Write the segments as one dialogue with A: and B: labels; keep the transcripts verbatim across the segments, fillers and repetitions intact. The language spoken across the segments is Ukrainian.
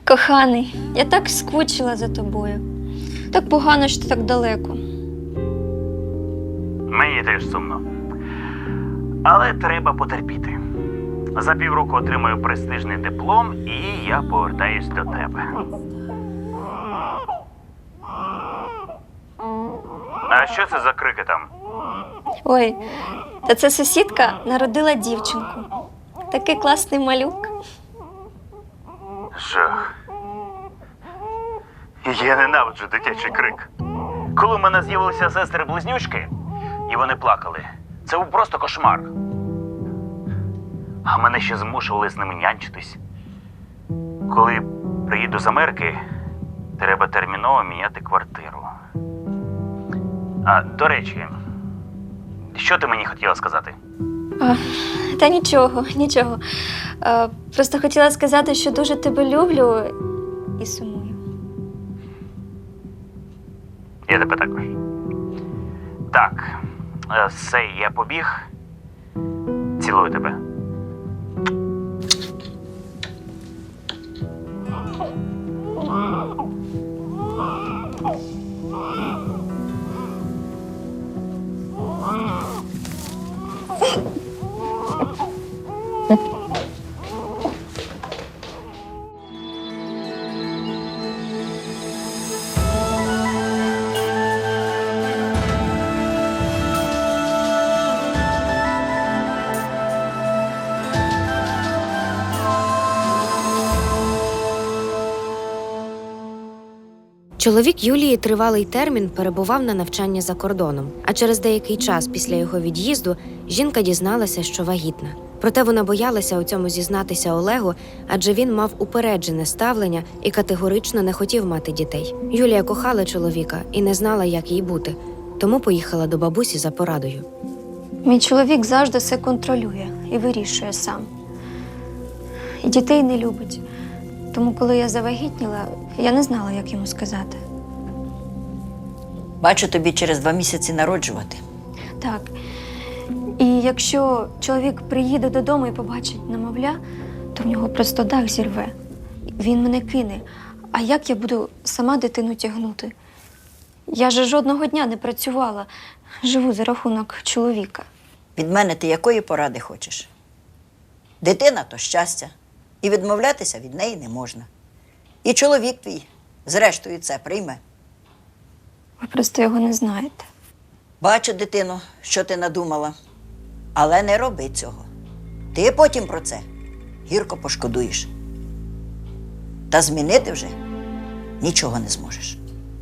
A: Коханий, я так скучила за тобою. Так погано, що ти так далеко.
B: Мені теж сумно. Але треба потерпіти. За півроку отримаю престижний диплом і я повертаюсь до тебе. А що це за крики там?
A: Ой, та це сусідка народила дівчинку. Такий класний малюк.
B: Жах. Я ненавиджу дитячий крик. Коли в мене з'явилися сестри-близнючки, і вони плакали, це був просто кошмар. А мене ще змушували з ними нянчитись. Коли приїду з Америки, треба терміново міняти квартиру. А, до речі, що ти мені хотіла сказати?
A: А, та нічого, нічого. А, просто хотіла сказати, що дуже тебе люблю і сумую.
B: Я тебе також. Так, е, все, я побіг. Цілую тебе.
C: Чоловік Юлії тривалий термін перебував на навчанні за кордоном, а через деякий час після його від'їзду жінка дізналася, що вагітна. Проте вона боялася у цьому зізнатися Олегу, адже він мав упереджене ставлення і категорично не хотів мати дітей. Юлія кохала чоловіка і не знала, як їй бути, тому поїхала до бабусі за порадою.
A: Мій чоловік завжди все контролює і вирішує сам. І дітей не любить. Тому, коли я завагітніла, я не знала, як йому сказати.
D: Бачу, тобі через два місяці народжувати.
A: Так. І якщо чоловік приїде додому і побачить немовля, то в нього просто дах зірве. Він мене кине. А як я буду сама дитину тягнути? Я ж жодного дня не працювала. Живу за рахунок чоловіка.
D: Від мене ти якої поради хочеш? Дитина – то щастя. І відмовлятися від неї не можна. І чоловік твій, зрештою, це прийме.
A: Ви просто його не знаєте.
D: Бачу, дитино, що ти надумала. Але не роби цього. Ти потім про це гірко пошкодуєш. Та змінити вже нічого не зможеш.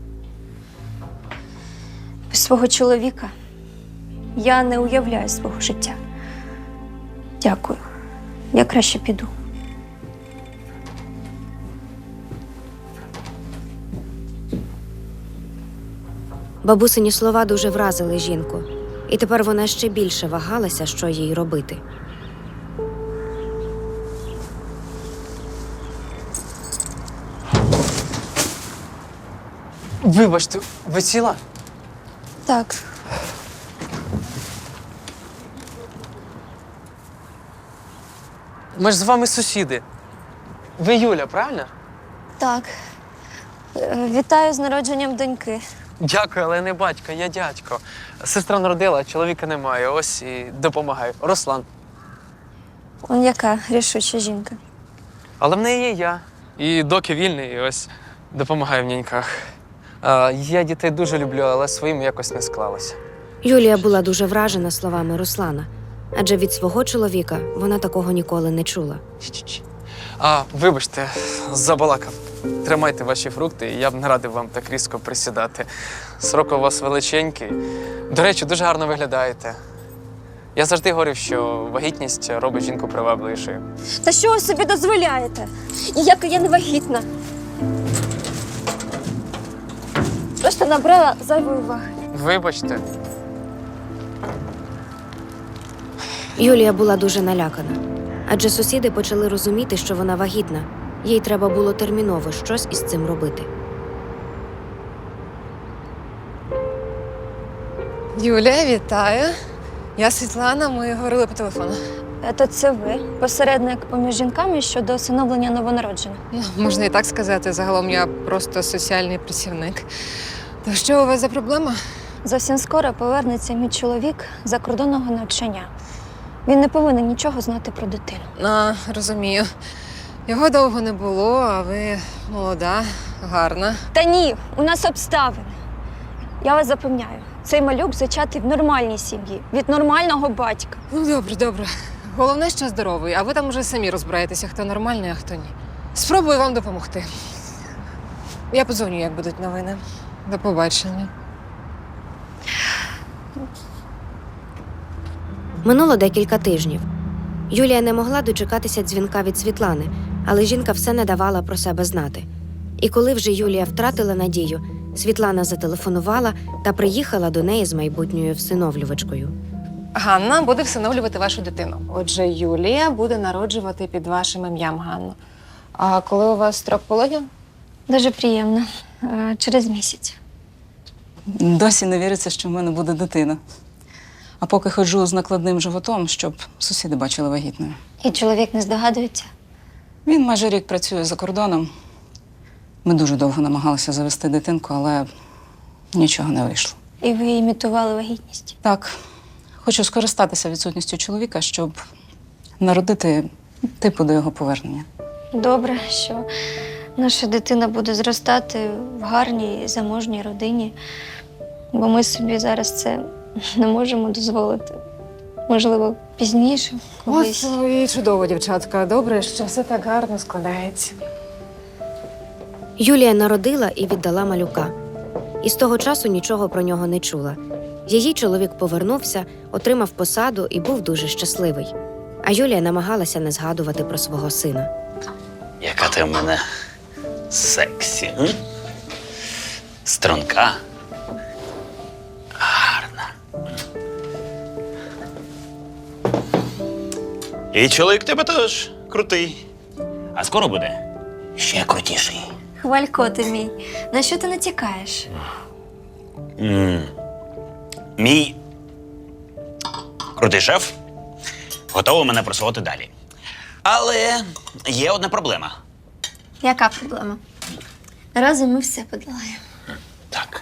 A: Без свого чоловіка я не уявляю свого життя. Дякую. Я краще піду.
C: Бабусині слова дуже вразили жінку, і тепер вона ще більше вагалася, що їй робити.
E: Вибачте, ви ціла?
A: Так.
E: Ми ж з вами сусіди. Ви Юля, правильно?
A: Так. Е, Вітаю з народженням доньки.
E: Дякую, але не батько, я дядько. Сестра народила, чоловіка немає, ось і допомагаю. Руслан.
A: Он яка рішуча жінка.
E: Але в неї є я. І доки вільний, і ось допомагаю в няньках. А, я дітей дуже люблю, але своїм якось не склалося.
C: Юлія була дуже вражена словами Руслана, адже від свого чоловіка вона такого ніколи не чула.
E: Чі-чі-чі. А, вибачте, забалакав. Тримайте ваші фрукти, і я б не радив вам так різко присідати. Срок у вас величенький. До речі, дуже гарно виглядаєте. Я завжди говорив, що вагітність робить жінку привабливішою.
A: Та що ви собі дозволяєте? Ніяка я не вагітна. Просто набрала зайвої уваги.
E: Вибачте.
C: Юлія була дуже налякана, адже сусіди почали розуміти, що вона вагітна. Їй треба було терміново щось із цим робити.
F: Юля, вітаю. Я Світлана, ми говорили по телефону.
A: То це ви, посередник поміж жінками щодо усиновлення новонароджених.
F: Ну, можна і так сказати. Загалом я просто соціальний працівник. То що у вас за проблема?
A: Зовсім скоро повернеться мій чоловік з закордонного навчання. Він не повинен нічого знати про дитину.
F: А, розумію. Його довго не було, а ви молода, гарна.
A: Та ні, у нас обставини. Я вас запевняю, цей малюк зачатий в нормальній сім'ї, від нормального батька.
F: Ну, добре, добре. Головне, що здоровий, а ви там уже самі розбираєтеся, хто нормальний, а хто ні. Спробую вам допомогти. Я подзвоню, як будуть новини. До побачення.
C: Минуло декілька тижнів. Юлія не могла дочекатися дзвінка від Світлани, але жінка все не давала про себе знати. І коли вже Юлія втратила надію, Світлана зателефонувала та приїхала до неї з майбутньою всиновлювачкою.
F: Ганна буде всиновлювати вашу дитину. Отже, Юлія буде народжувати під вашим ім'ям, Ганно. А коли у вас строк пологів?
A: Дуже приємно. Е, Через місяць.
G: Досі не віриться, що в мене буде дитина. А поки ходжу з накладним животом, щоб сусіди бачили вагітною.
A: І чоловік не здогадується.
G: Він майже рік працює за кордоном. Ми дуже довго намагалися завести дитинку, але нічого не вийшло.
A: І ви імітували вагітність.
G: Так, хочу скористатися відсутністю чоловіка, щоб народити типу до його повернення.
A: Добре, що наша дитина буде зростати в гарній заможній родині, бо ми собі зараз це не можемо дозволити. Можливо, пізніше, колись.
F: Ось і чудово, дівчатка. Добре, що все так гарно складається.
C: Юлія народила і віддала малюка. І з того часу нічого про нього не чула. Її чоловік повернувся, отримав посаду і був дуже щасливий. А Юлія намагалася не згадувати про свого сина.
B: Яка ти в мене сексі, м? Струнка. Гарна. І чоловік тебе теж крутий. А скоро буде ще крутіший.
A: Хвалько ти мій. На що ти натякаєш?
B: М. Мій крутий шеф готовий мене просувати далі. Але є одна проблема.
A: Яка проблема? Разом ми все подолаємо.
B: Так.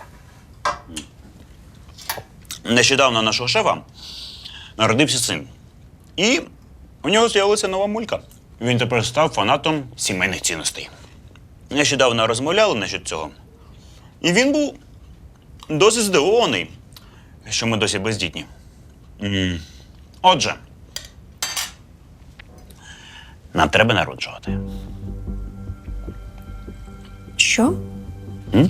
B: Нещодавно у нашого шефа народився син. І у нього з'явилася нова мулька. Він тепер став фанатом сімейних цінностей. Нещодавно розмовляли насчет цього. І він був досить здивований, що ми досі бездітні. М. Отже, нам треба народжувати.
A: Що?
B: М?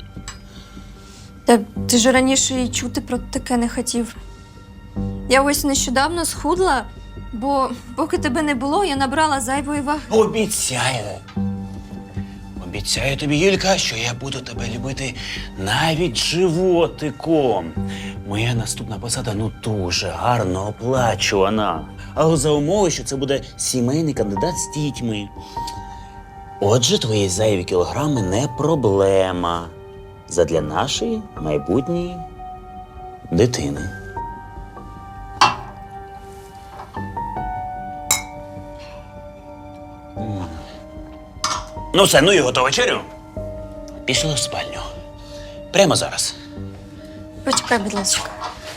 A: Та ти ж раніше і чути про таке не хотів. Я ось нещодавно схудла, бо поки тебе не було, я набрала зайвої ваги.
B: Обіцяю. Обіцяю тобі, Юлька, що я буду тебе любити навіть животиком. Моя наступна посада ну дуже гарно оплачувана. Але за умови, що це буде сімейний кандидат з дітьми. Отже, твої зайві кілограми не проблема. Задля нашої майбутньої дитини. Ну все, ну і готова вечерю. Пішли в спальню. Прямо зараз.
A: Почекай, будь ласка.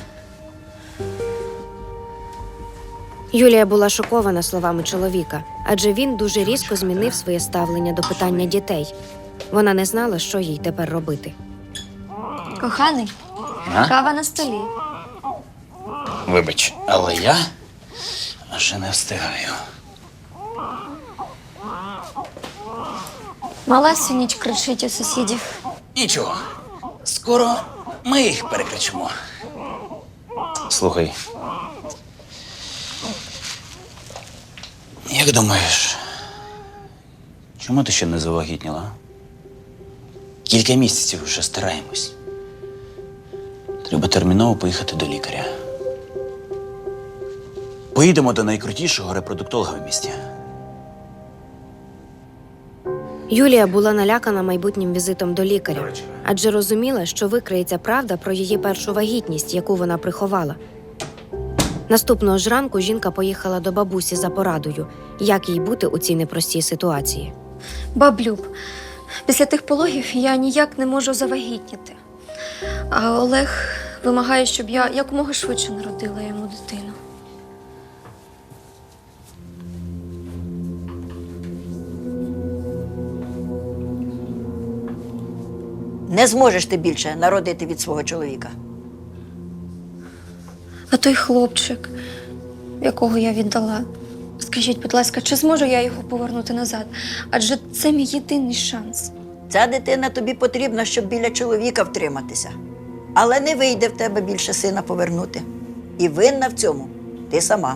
C: Юлія була шокована словами чоловіка, адже він дуже різко змінив своє ставлення до питання дітей. Вона не знала, що їй тепер робити.
A: Коханий,
B: А?
A: кава на столі.
B: Вибач, але я вже не встигаю.
A: Мала всю ніч кричить у сусідів.
B: Нічого. Скоро ми їх перекричимо. Слухай. Як думаєш, чому ти ще не завагітніла? Кілька місяців вже стараємось. Треба терміново поїхати до лікаря. Поїдемо до найкрутішого репродуктолога в місті.
C: Юлія була налякана майбутнім візитом до лікаря, адже розуміла, що викриється правда про її першу вагітність, яку вона приховала. Наступного ж ранку жінка поїхала до бабусі за порадою, як їй бути у цій непростій ситуації.
A: Баблюб, після тих пологів я ніяк не можу завагітніти. А Олег вимагає, щоб я якомога швидше народила йому дитину.
D: Не зможеш ти більше народити від свого чоловіка.
A: А той хлопчик, якого я віддала, скажіть, будь ласка, чи зможу я його повернути назад? Адже це мій єдиний шанс.
D: Ця дитина тобі потрібна, щоб біля чоловіка втриматися. Але не вийде в тебе більше сина повернути. І винна в цьому ти сама.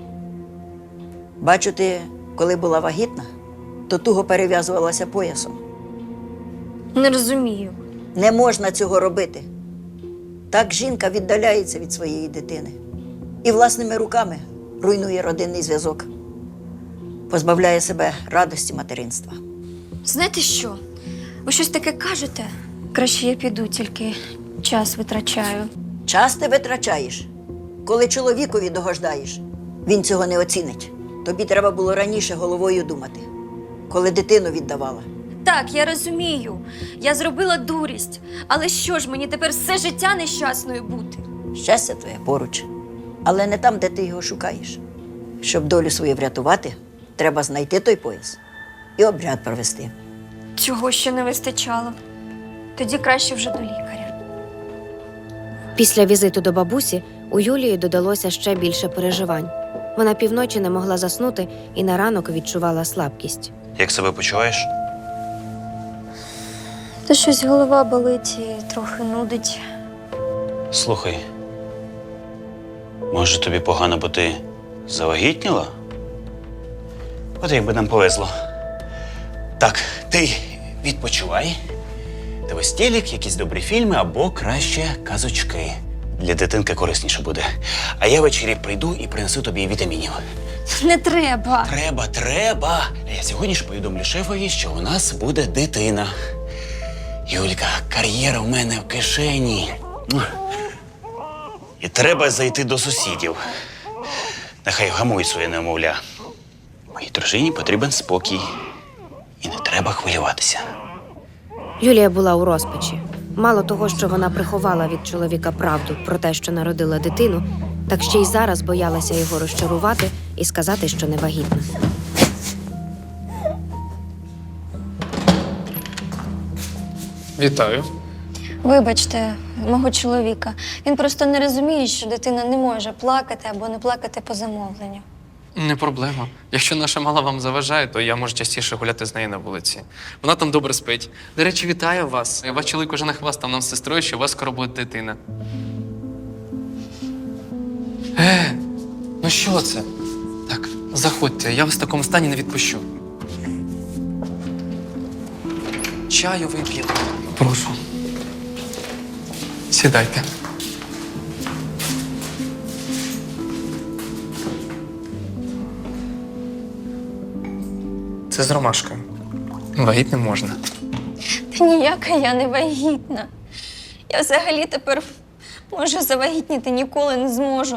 D: Бачу, ти, коли була вагітна, то туго перев'язувалася поясом.
A: Не розумію.
D: Не можна цього робити. Так жінка віддаляється від своєї дитини. І власними руками руйнує родинний зв'язок. Позбавляє себе радості материнства.
A: Знаєте що? Ви щось таке кажете? Краще я піду, тільки час витрачаю.
D: Час ти витрачаєш. Коли чоловікові догождаєш, він цього не оцінить. Тобі треба було раніше головою думати, коли дитину віддавала.
A: Так, я розумію. Я зробила дурість. Але що ж, мені тепер все життя нещасною бути?
D: Щастя твоє поруч, але не там, де ти його шукаєш. Щоб долю свою врятувати, треба знайти той пояс і обряд провести.
A: Цього ще не вистачало. Тоді краще вже до лікаря.
C: Після візиту до бабусі у Юлії додалося ще більше переживань. Вона півночі не могла заснути і на ранок відчувала слабкість.
B: Як себе почуваєш?
A: Та щось голова болить і трохи нудить.
B: Слухай, може тобі погано, бо ти завагітніла? От якби нам повезло. Так, ти відпочивай. Дивись телек, якісь добрі фільми або краще казочки. Для дитинки корисніше буде. А я ввечері прийду і принесу тобі вітамінів.
A: Не треба.
B: Треба, треба. Я сьогодні ж повідомлю шефові, що у нас буде дитина. Юлька, кар'єра в мене в кишені. І треба зайти до сусідів. Нехай гамують своє немовля. Моїй дружині потрібен спокій. І не треба хвилюватися.
C: Юлія була у розпачі. Мало того, що вона приховала від чоловіка правду про те, що народила дитину, так ще й зараз боялася його розчарувати і сказати, що не вагітна.
E: Вітаю.
A: Вибачте, мого чоловіка. Він просто не розуміє, що дитина не може плакати або не плакати по замовленню.
E: Не проблема. Якщо наша мала вам заважає, то я можу частіше гуляти з нею на вулиці. Вона там добре спить. До речі, вітаю вас. Ваш чоловік уже нахвастав нам з сестрою, що у вас скоро буде дитина. Е, ну що це? Так, заходьте, я вас в такому стані не відпущу. Чаю вип'ємо. Прошу. Сідайте. Це з ромашкою. Вагітним можна.
A: Та ніяка я не вагітна. Я взагалі тепер, може, завагітніти ніколи не зможу.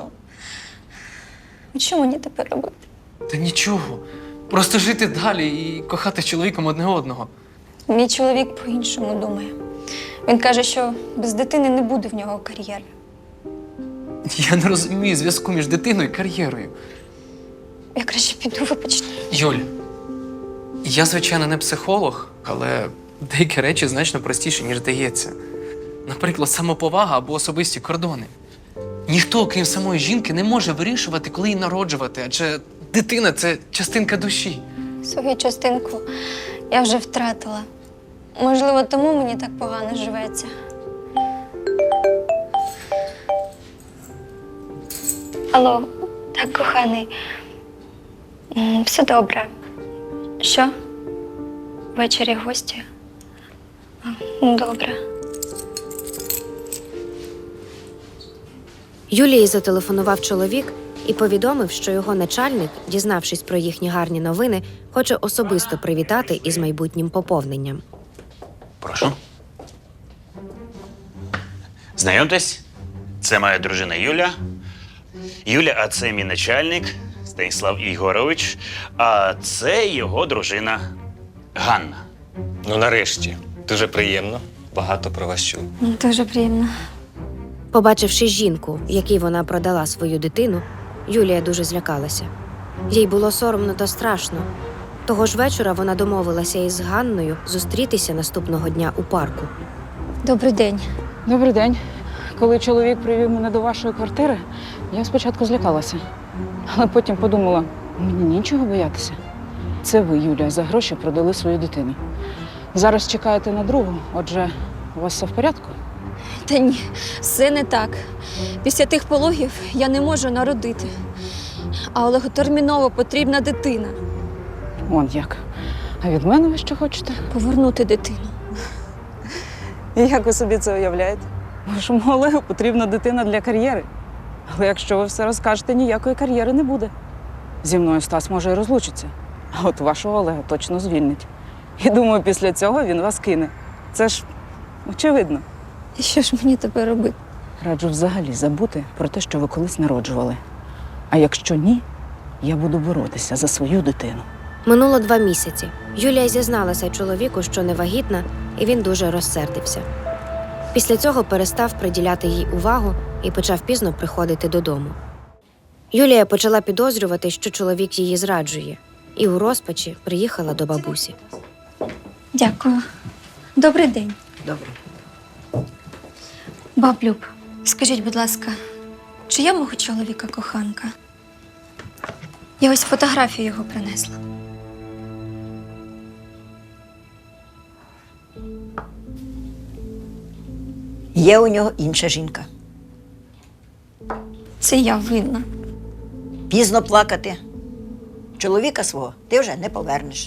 A: Що мені тепер робити?
E: Та нічого. Просто жити далі і кохати з чоловіком одне одного.
A: Мій чоловік по-іншому думає. Він каже, що без дитини не буде в нього кар'єри.
E: Я не розумію зв'язку між дитиною і кар'єрою.
A: Я краще піду, вибачте.
E: Юль, я, звичайно, не психолог, але деякі речі значно простіші, ніж здається. Наприклад, самоповага або особисті кордони. Ніхто, крім самої жінки, не може вирішувати, коли її народжувати, адже дитина – це частинка душі.
A: Свою частинку я вже втратила. Можливо, тому мені так погано живеться. Алло, так, коханий. М, Все добре. Що? Ввечері гості? А, ну, добре.
C: Юлії зателефонував чоловік і повідомив, що його начальник, дізнавшись про їхні гарні новини, хоче особисто привітати із майбутнім поповненням.
B: Прошу. Знайомтесь, це моя дружина Юля Юля, а це мій начальник Станіслав Ігорович, а це його дружина Ганна.
H: Ну, нарешті. Дуже приємно. Багато про вас чув.
A: Дуже приємно.
C: Побачивши жінку, якій вона продала свою дитину, Юлія дуже злякалася. Їй було соромно та страшно. Того ж вечора вона домовилася із Ганною зустрітися наступного дня у парку.
A: Добрий день.
G: Добрий день. Коли чоловік привів мене до вашої квартири, я спочатку злякалася. Але потім подумала, мені нічого боятися. Це ви, Юлія, за гроші продали свою дитину. Зараз чекаєте на другу, отже, у вас все в порядку?
A: Та ні, все не так. Після тих пологів я не можу народити. А Олегу терміново потрібна дитина.
G: Вон як. А від мене ви що хочете?
A: Повернути дитину.
G: І як ви собі це уявляєте? Вашому Олегу потрібна дитина для кар'єри. Але якщо ви все розкажете, ніякої кар'єри не буде. Зі мною Стас може і розлучиться. А от вашого Олега точно звільнить. І думаю, після цього він вас кине. Це ж очевидно.
A: І що ж мені тепер робити?
G: Раджу взагалі забути про те, що ви колись народжували. А якщо ні, я буду боротися за свою дитину.
C: Минуло два місяці. Юлія зізналася чоловіку, що не вагітна, і він дуже розсердився. Після цього перестав приділяти їй увагу і почав пізно приходити додому. Юлія почала підозрювати, що чоловік її зраджує, і у розпачі приїхала до бабусі.
A: Дякую. Добрий день.
D: Добре.
A: Баб Люб, скажіть, будь ласка, чи я мого чоловіка коханка? Я ось фотографію його принесла.
D: Є у нього інша жінка.
A: Це я винна.
D: Пізно плакати. Чоловіка свого ти вже не повернеш.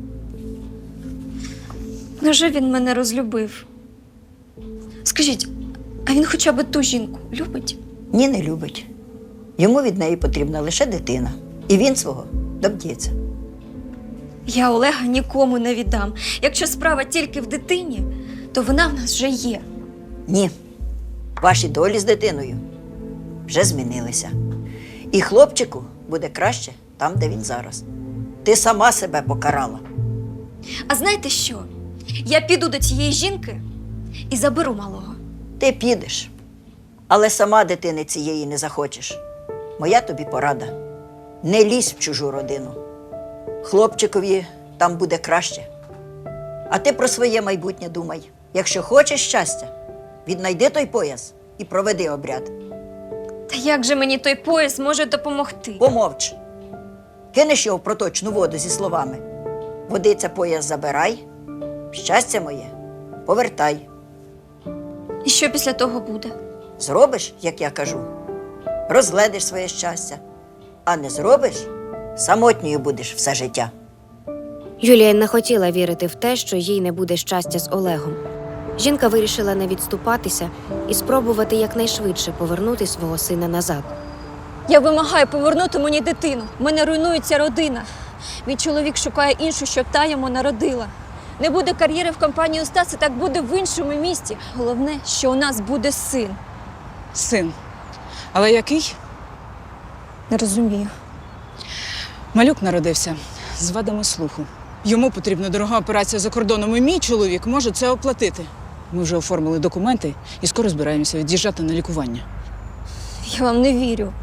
A: Невже він мене розлюбив? Скажіть, а він хоча б ту жінку любить?
D: Ні, не любить. Йому від неї потрібна лише дитина. І він свого доб'ється.
A: Я Олега нікому не віддам. Якщо справа тільки в дитині, то вона в нас вже є.
D: Ні. Ваші долі з дитиною вже змінилися. І хлопчику буде краще там, де він зараз. Ти сама себе покарала.
A: А знаєте що? Я піду до цієї жінки і заберу малого.
D: Ти підеш, але сама дитини цієї не захочеш. Моя тобі порада. Не лізь в чужу родину. Хлопчикові там буде краще. А ти про своє майбутнє думай. Якщо хочеш щастя, віднайди той пояс і проведи обряд.
A: Та як же мені той пояс може допомогти?
D: Помовч. Кинеш його в проточну воду зі словами. Водиця пояс забирай, щастя моє повертай.
A: І що після того буде?
D: Зробиш, як я кажу, розгледиш своє щастя. А не зробиш, самотньою будеш все життя.
C: Юлія не хотіла вірити в те, що їй не буде щастя з Олегом. Жінка вирішила не відступатися і спробувати якнайшвидше повернути свого сина назад.
A: Я вимагаю повернути мені дитину. У мене руйнується родина. Мій чоловік шукає іншу, щоб та йому народила. Не буде кар'єри в компанії у Стаса, так буде в іншому місті. Головне, що у нас буде син.
G: Син. Але який?
A: Не розумію.
G: Малюк народився з вадами слуху. Йому потрібна дорога операція за кордоном, і мій чоловік може це оплатити. Ми вже оформили документи і скоро збираємося від'їжджати на лікування.
A: Я вам не вірю.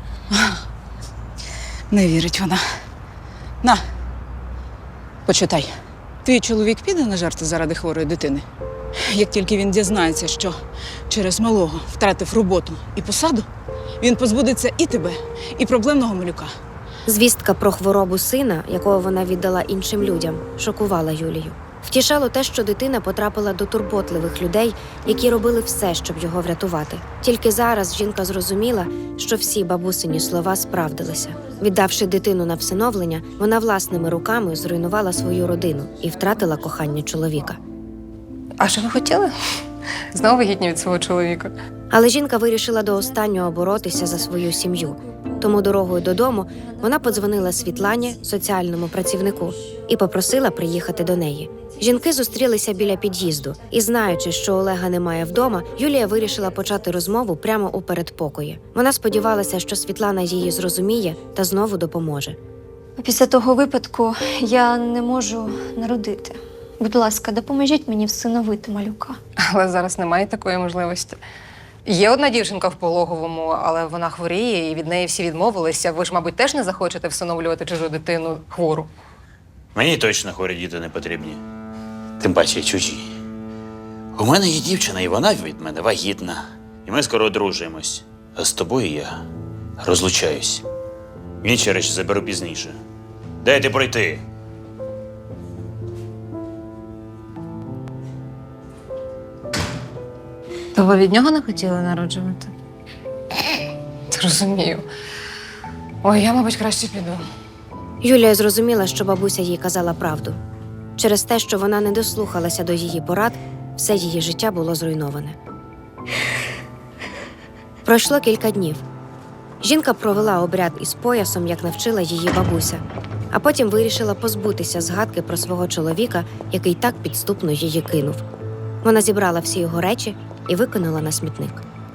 G: Не вірить вона. На, почитай. Твій чоловік піде на жарти заради хворої дитини? Як тільки він дізнається, що через малого втратив роботу і посаду, він позбудеться і тебе, і проблемного малюка.
C: Звістка про хворобу сина, якого вона віддала іншим людям, шокувала Юлію. Втішало те, що дитина потрапила до турботливих людей, які робили все, щоб його врятувати. Тільки зараз жінка зрозуміла, що всі бабусині слова справдилися. Віддавши дитину на всиновлення, вона власними руками зруйнувала свою родину і втратила кохання чоловіка.
F: А що ви хотіли? Знову вагітні від свого чоловіка.
C: Але жінка вирішила до останнього боротися за свою сім'ю. Тому дорогою додому вона подзвонила Світлані, соціальному працівнику, і попросила приїхати до неї. Жінки зустрілися біля під'їзду, і, знаючи, що Олега немає вдома, Юлія вирішила почати розмову прямо у передпокої. Вона сподівалася, що Світлана її зрозуміє та знову допоможе.
A: Після того випадку я не можу народити. Будь ласка, допоможіть мені всиновити малюка.
F: Але зараз немає такої можливості. Є одна дівчинка в пологовому, але вона хворіє і від неї всі відмовилися. Ви ж, мабуть, теж не захочете всиновлювати чужу дитину хвору.
B: Мені точно хворі діти не потрібні. Тим паче чужі. У мене є дівчина, і вона від мене вагітна. І ми скоро одружуємось. А з тобою я розлучаюсь. Інші речі заберу пізніше. Дайте пройти.
F: То ви від нього не хотіли народжувати? Розумію. Ой, я, мабуть, краще піду.
C: Юлія зрозуміла, що бабуся їй казала правду. Через те, що вона не дослухалася до її порад, все її життя було зруйноване. Пройшло кілька днів. Жінка провела обряд із поясом, як навчила її бабуся, а потім вирішила позбутися згадки про свого чоловіка, який так підступно її кинув. Вона зібрала всі його речі і викинула на смітник.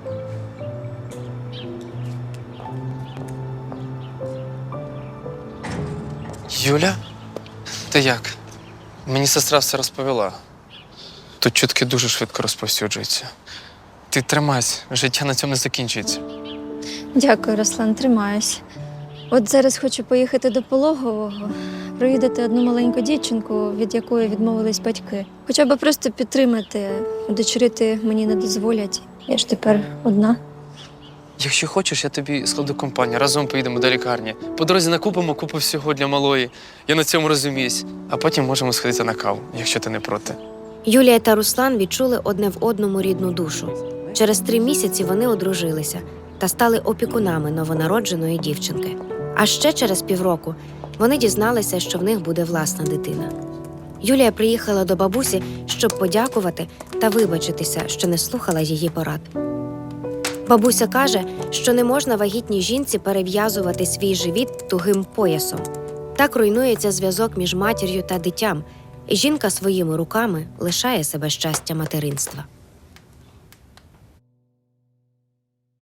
E: Юля? Ти як? Мені сестра все розповіла. Тут чутки дуже швидко розповсюджуються. Ти тримайся, життя на цьому не закінчується.
A: Дякую, Руслан, тримаюсь. От зараз хочу поїхати до пологового, провідати одну маленьку дівчинку, від якої відмовились батьки. Хоча б просто підтримати, дочерити мені не дозволять. Я ж тепер одна.
E: Якщо хочеш, я тобі складу компанію. Разом поїдемо до лікарні. По дорозі накупимо купу всього для малої. Я на цьому розуміюсь. А потім можемо сходити на каву, якщо ти не проти.
C: Юлія та Руслан відчули одне в одному рідну душу. Через три місяці вони одружилися та стали опікунами новонародженої дівчинки. А ще через півроку вони дізналися, що в них буде власна дитина. Юлія приїхала до бабусі, щоб подякувати та вибачитися, що не слухала її порад. Бабуся каже, що не можна вагітній жінці перев'язувати свій живіт тугим поясом. Так руйнується зв'язок між матір'ю та дитям, і жінка своїми руками лишає себе щастя материнства.